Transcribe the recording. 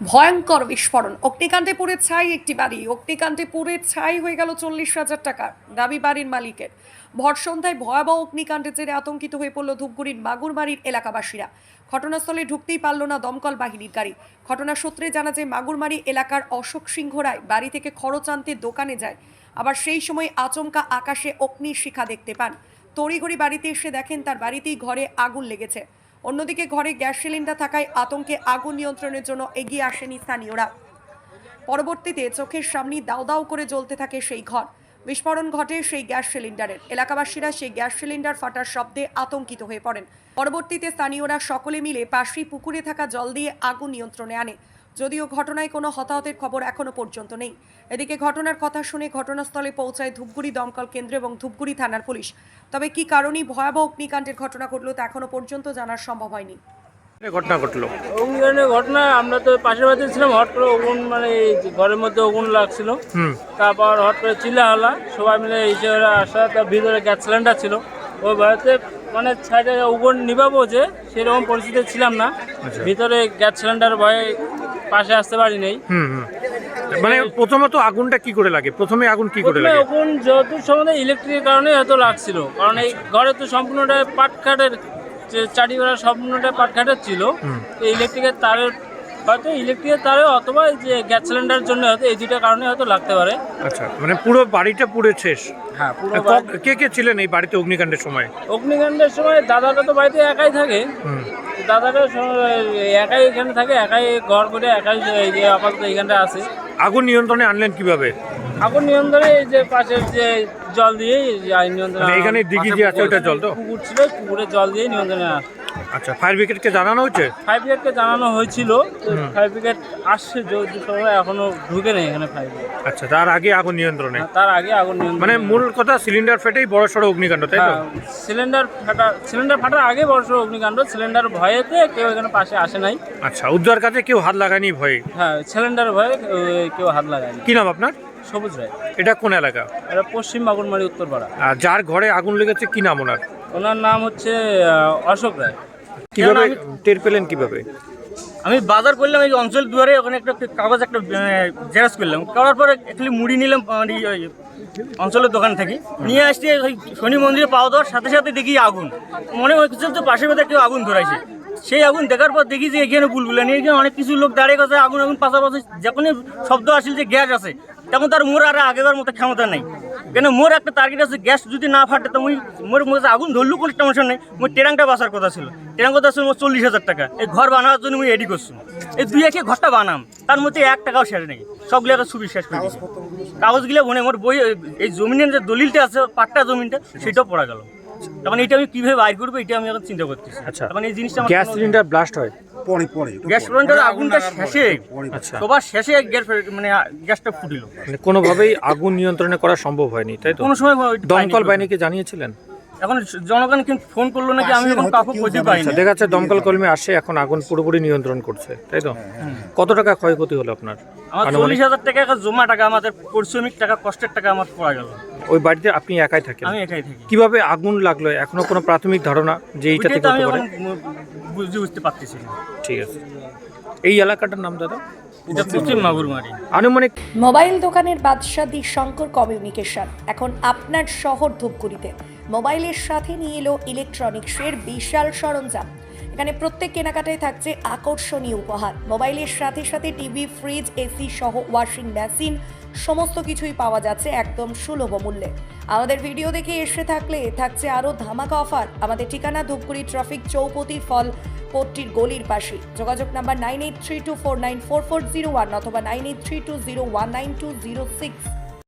ভয়ঙ্কর বিস্ফোরণ, অগ্নিকাণ্ডে পুড়ে ছাই একটি বাড়ি। অগ্নিকাণ্ডে পুড়ে ছাই হয়ে গেল 40,000 টাকা দাবি বাড়ির মালিকের। ভর সন্ধ্যায় ভয়াবহ অগ্নিকাণ্ডের জেরে আতঙ্কিত হয়ে পড়ল ধূপগুড়ির মাগুরমারির এলাকাবাসীরা। ঘটনাস্থলে ঢুকতেই পারল না দমকল বাহিনীর গাড়ি। ঘটনা সূত্রে জানা যায় মাগুরমারি এলাকার অশোক সিংহ রায় বাড়ি থেকে খরচ আনতে দোকানে যায়। আবার সেই সময় আচমকা আকাশে অগ্নির শিখা দেখতে পান। তড়িঘড়ি বাড়িতে এসে দেখেন তার বাড়িতেই ঘরে আগুন লেগেছে। অন্যদিকে ঘরে গ্যাস সিলিন্ডার থাকায় আতঙ্কে আগুন নিয়ন্ত্রণের জন্য এগিয়ে আসেনি স্থানীয়রা। পরবর্তীতে চোখের সামনে দাউ দাউ করে জ্বলতে থাকে সেই ঘর। বিস্ফোরণ ঘটে সেই গ্যাস সিলিন্ডারের। এলাকাবাসীরা সেই গ্যাস সিলিন্ডার ফাটার শব্দে আতঙ্কিত হয়ে পড়েন। পরবর্তীতে স্থানীয়রা সকলে মিলে পাশেই পুকুরে থাকা জল দিয়ে আগুন নিয়ন্ত্রণে আনে। যদিও ঘটনায় কোনো হতাহতের খবর এখনো পর্যন্ত নেই। এদিকে ঘটনার কথা শুনে ঘটনাস্থলে পৌঁছায় ধূপগুড়ি দমকল কেন্দ্র এবং ধূপগুড়ি থানার পুলিশ। তবে কি কারণে ভয়াবহ অগ্নিকাণ্ডের ঘটনা ঘটলো তা এখনো পর্যন্ত জানার সম্ভব হয়নি। ঘটনা ঘটলো অগ্নিকাণ্ডের ঘটনা, আমরা তো পাশের বাড়িতে ছিলাম। হট করে আগুন, মানে ঘরের মধ্যে আগুন লাগছিল। তারপর হট করে চিল্লা হলা, সবাই মিলে হিসেবে আসা। তার ভিতরে গ্যাস সিলিন্ডার ছিল। ওই বাড়িতে মানে সাইডে আগুন নিভাবো যে সেরকম পরিস্থিতি ছিলাম না। ভিতরে গ্যাস সিলিন্ডার ভয়ে পাশে আসতে পারি নেই। মানে প্রথমত আগুনটা কি করে লাগে? প্রথমে আগুন কি করে লাগে? আগুন যেহেতু সম্বন্ধে ইলেকট্রিকের কারণে হয়তো লাগছিল, কারণ এই ঘরে তো সম্পূর্ণটা পাটকাঠের, চারিবেলা সম্পূর্ণটা পাটকাঠের ছিল। ইলেকট্রিকের তারের হয়তো ইলেকট্রিকের তারে অথবা যে গ্যাস সিলিন্ডারের জন্য হয়তো এই দুইটা কারণে হয়তো লাগতে পারে। আচ্ছা, মানে পুরো বাড়িটা পুড়ে শেষ? হ্যাঁ, পুরো। কে কে ছিলেন এই বাড়িতে অগ্নিকাণ্ডের সময়? অগ্নিকাণ্ডের সময় দাদাটা তো বাড়িতে একাই থাকে। দাদাটা একাই এখানে থাকে, একাই ঘর করে একাই আপাতত এইখানটা আছে। আগুন নিয়ন্ত্রণে আনলেন কিভাবে? আগুন নিয়ন্ত্রণে এই যে পাশের যে জল দিয়ে নিয়ন্ত্রণ। এখানে দিঘি যে আছে ওটা জল তো? পুকুর ছিল, পুকুরের জল দিয়ে নিয়ন্ত্রণে আসে। আচ্ছা, ফায়ার ব্রিগেডকে জানানো হয়েছে? ফায়ার ব্রিগেডকে জানানো হয়েছিল। ফায়ার ব্রিগেড আসছে, যদি সময় এখনো ঢুকে নেই এখানে ফায়ার ব্রিগেড। আচ্ছা, তার আগে আগুন নিয়ন্ত্রণে? তার আগে আগুন নিয়ন্ত্রণ। মানে মূল কথা সিলিন্ডার ফেটেই বড় সড়ো অগ্নিকাণ্ড, তাই তো? সিলিন্ডার ফাটার আগে বড় সড়ো অগ্নিকাণ্ড। সিলিন্ডার ভয়েতে কেউ এখানে পাশে আসে নাই। আচ্ছা, উদ্ধার কাজে কেউ হাত লাগায়নি ভয়ে? হ্যাঁ, সিলিন্ডার ভয়ে কেউ হাত লাগায়নি। কি নাম আপনার? সবুজ রায়। এটা কোন এলাকা? এটা পশ্চিম মাগুরমারি, উত্তরপাড়া। আর যার ঘরে আগুন লেগেছে কি নাম ওনার? ওনার নাম হচ্ছে অশোক রায়। কিভাবে টের পেলেন কিভাবে? আমি বাজার করলাম এই অঞ্চল দুয়ারে, ওখানে একটা কাগজ একটা জেরক্স করলাম। করার পরে একটু মুড়ি নিলাম অঞ্চলের দোকান থেকে, নিয়ে আসছি ওই শনি মন্দিরে পাওয়া দেওয়ার সাথে সাথে দেখি আগুন। মনে হচ্ছে যে পাশের মধ্যে কেউ আগুন ধরাইছে। সেই আগুন দেখার পর দেখি যে এখানে বুলবুলা নিয়ে এখানে অনেক কিছু লোক দাঁড়িয়ে গেছে। আগুন পাশাপাশি যখনই শব্দ আসছিল যে গ্যাস আছে, তখন তার মোর আর আগেবার মতো ক্ষমতা নেই। কেন মোর একটা টার্গেট আছে, গ্যাস যদি না ফাটে তো মোর মধ্যে আগুন ধরলু কোনো টেনশন নেই। মোর ট্যাঙ্কটা বাঁচার কথা ছিল। ট্যাঙ্ক কথা ছিল মোর 40,000 টাকা। এই ঘর বানানোর জন্য আমি রেডি করছি। এই 2 ঘরটা বানাম, তার মধ্যে 1 টাকাও শেষ নেই। সবগুলো একটা ছবি শেষ করে দিয়েছি। কাগজগুলো মনে মোর বই, এই জমিনের যে দলিলটা আছে, পাট্টা জমিনটা, সেটাও পড়া গেল। তখন এটা আমি কিভাবে বাইর করবো, এটা আমি এখন চিন্তা করতেছি। আচ্ছা, তখন এই জিনিসটা গ্যাস সিলিন্ডার ব্লাস্ট হয় গ্যাস সিলিন্ডার আগুনটা শেষে, সবার শেষে গ্যাস মানে গ্যাসটা ফুটিল। মানে কোনোভাবেই আগুন নিয়ন্ত্রণে করা সম্ভব হয়নি, তাই তো? কোনো সময় দমকল বাহিনীকে জানিয়েছিলেন? এখন জনগণ কিন্তু ফোন করলো নাকি, আমি এখন কাউকে বলতে পারি না। দেখা যাচ্ছে দমকল কর্মী আসে, এখন আগুন পুরোপুরি নিয়ন্ত্রণ করছে, তাই তো? কত টাকা ক্ষয়ক্ষতি হলো আপনার? আমার 40,000 টাকা এখন জমা টাকা, আমাদের পরিশ্রমিক টাকা, কষ্টের টাকা আমার পড়া গেল। ওই বাড়িতে আপনি একাই থাকেন? আমি একাই থাকি। কিভাবে আগুন লাগলো এখনো কোনো প্রাথমিক ধারণা যে এইটা ওইটাই থেকে তো হতে আমি পারে? এখন বুঝতে পারতেছি না। ঠিক আছে, এই এলাকাটার নাম দাদা? এটা পশ্চিম মাগুরমারি। আনুমানিক। মোবাইল দোকানের বাদশা দি শঙ্কর কমিউনিকেশন এখন আপনার শহর ধূপগুড়িতে মোবাইলের সাথে নিয়ে এলো ইলেকট্রনিক্সের বিশাল সরঞ্জাম। এখানে প্রত্যেক কেনাকাটায় থাকছে আকর্ষণীয় উপহার। মোবাইলের সাথে সাথে টিভি, ফ্রিজ, এসি সহ ওয়াশিং মেশিন সমস্ত কিছুই পাওয়া যাচ্ছে একদম সুলভ মূল্যে। আমাদের ভিডিও দেখে এসে থাকলে থাকছে আরও ধামাকা অফার। আমাদের ঠিকানা ধূপগুড়ি ট্রাফিক চৌপতি ফল কোর্টটির গলির পাশে। যোগাযোগ নাম্বার 9832494401 অথবা 9832019206।